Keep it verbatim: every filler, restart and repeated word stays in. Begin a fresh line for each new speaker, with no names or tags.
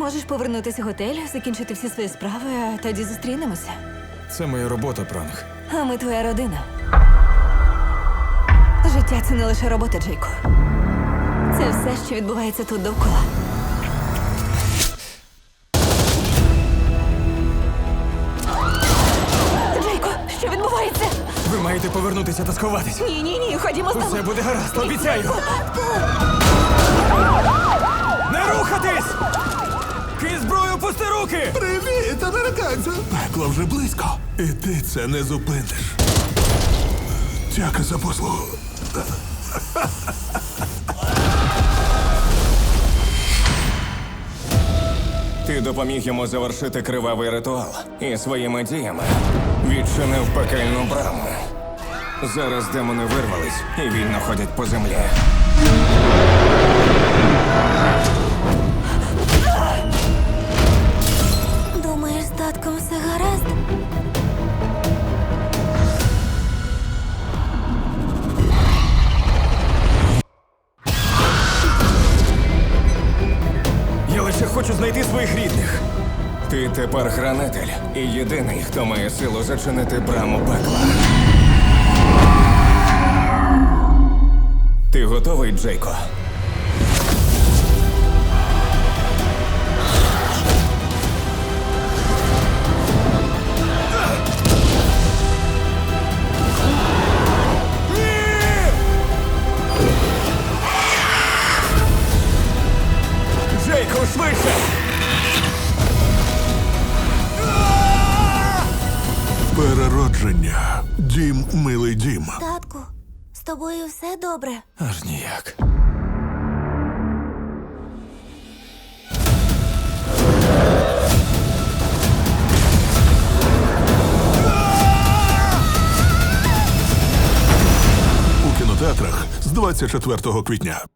Можеш повернутися в готель, закінчити всі свої справи, а тоді зустрінемося.
Це моя робота, пранк.
А ми твоя родина. Життя – це не лише робота, Джейко. Це все, що відбувається тут довкола. Джейко, що відбувається?
Ви маєте повернутися та сховатись.
Ні, ні, ні, ходімо з тобою.
Усе буде гаразд, обіцяю. Не рухатись! Ки зброю, пусти руки!
Привіт, американцю! Пекло вже близько. І ти це не зупиниш. Дяка за послугу.
Ти допоміг йому завершити кривавий ритуал і своїми діями відчинив пекельну браму. Зараз демони вирвались і вільно ходять по землі.
Думаєш, з татком все гаразд?
Я лише хочу знайти своїх рідних.
Ти тепер хранитель і єдиний, хто має силу зачинити браму пекла. Ти готовий, Джейко?
Джейко, швидше!
Переродження. Дім, милий дім.
Татку, з тобою все добре?
Аж ніяк.
У кінотеатрах з двадцять четвертого квітня.